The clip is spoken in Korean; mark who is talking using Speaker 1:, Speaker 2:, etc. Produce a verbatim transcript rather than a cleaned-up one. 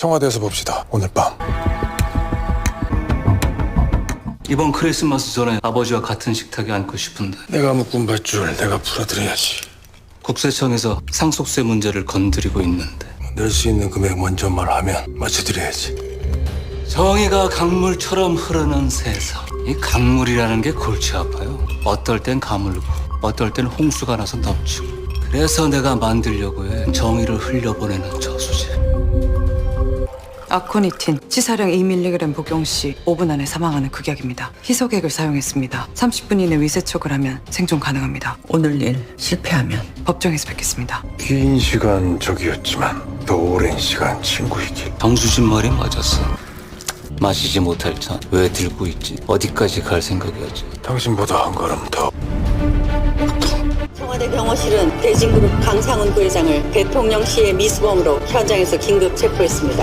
Speaker 1: 청와대에서 봅시다. 오늘 밤.
Speaker 2: 이번 크리스마스 전에 아버지와 같은 식탁에 앉고 싶은데
Speaker 1: 내가 묶은 밧줄 내가 풀어드려야지.
Speaker 2: 국세청에서 상속세 문제를 건드리고 있는데
Speaker 1: 낼 수 있는 금액 먼저 말하면 맞춰드려야지.
Speaker 2: 정의가 강물처럼 흐르는 세상. 이 강물이라는 게 골치 아파요. 어떨 땐 가물고 어떨 땐 홍수가 나서 넘치고. 그래서 내가 만들려고 해. 정의를 흘려보내는 저수지.
Speaker 3: 아코니틴 치사량 이 밀리그램 복용 시 오 분 안에 사망하는 극약입니다. 희소액을 사용했습니다. 삼십 분 이내 위세척을 하면 생존 가능합니다. 오늘 일 실패하면 법정에서 뵙겠습니다.
Speaker 1: 긴 시간 적이었지만 더 오랜 시간 친구이길.
Speaker 2: 정수진 말이 맞았어. 마시지 못할 잔 왜 들고 있지? 어디까지 갈 생각이었지?
Speaker 1: 당신보다 한 걸음 더.
Speaker 4: 청와대 경호실은 대진그룹 강상훈 부회장을 대통령실의 미수범으로 현장에서 긴급 체포했습니다.